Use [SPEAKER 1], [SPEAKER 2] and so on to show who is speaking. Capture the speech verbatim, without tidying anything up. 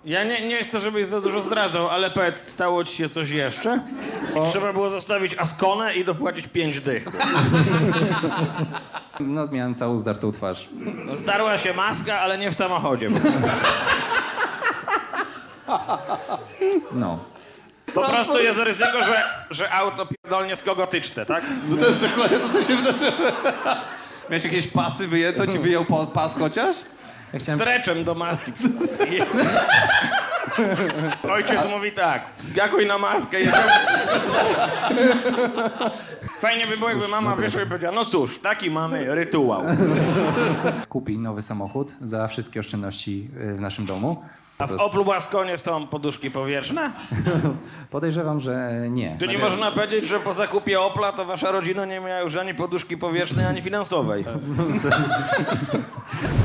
[SPEAKER 1] Ja nie, nie chcę, żebyś za dużo zdradzał, ale powiedz, stało ci się coś jeszcze? O. Trzeba było zostawić Askonę i dopłacić pięć dych.
[SPEAKER 2] No, miałem całą zdartą twarz.
[SPEAKER 1] No, zdarła się maska, ale nie w samochodzie.
[SPEAKER 2] No.
[SPEAKER 1] Po prostu jest ryzyko, że, że auto pierdolnie z kogotyczce, tak?
[SPEAKER 3] No to jest dokładnie to, co się wydarzyło. Miałeś jakieś pasy wyjęto? Ci wyjął pa- pas chociaż?
[SPEAKER 2] Ja chciałem...
[SPEAKER 1] Streczem do maski. Ojciec mówi tak, wskakuj na maskę. Jedziemy. Fajnie by było, jakby mama wyszła i powiedziała, no cóż, taki mamy rytuał.
[SPEAKER 2] Kupi nowy samochód za wszystkie oszczędności y, w naszym domu.
[SPEAKER 1] A w Oplu Baskonie są poduszki powietrzne?
[SPEAKER 2] Podejrzewam, że nie.
[SPEAKER 1] Czyli można powiedzieć, że po zakupie Opla to wasza rodzina nie miała już ani poduszki powietrznej, ani finansowej.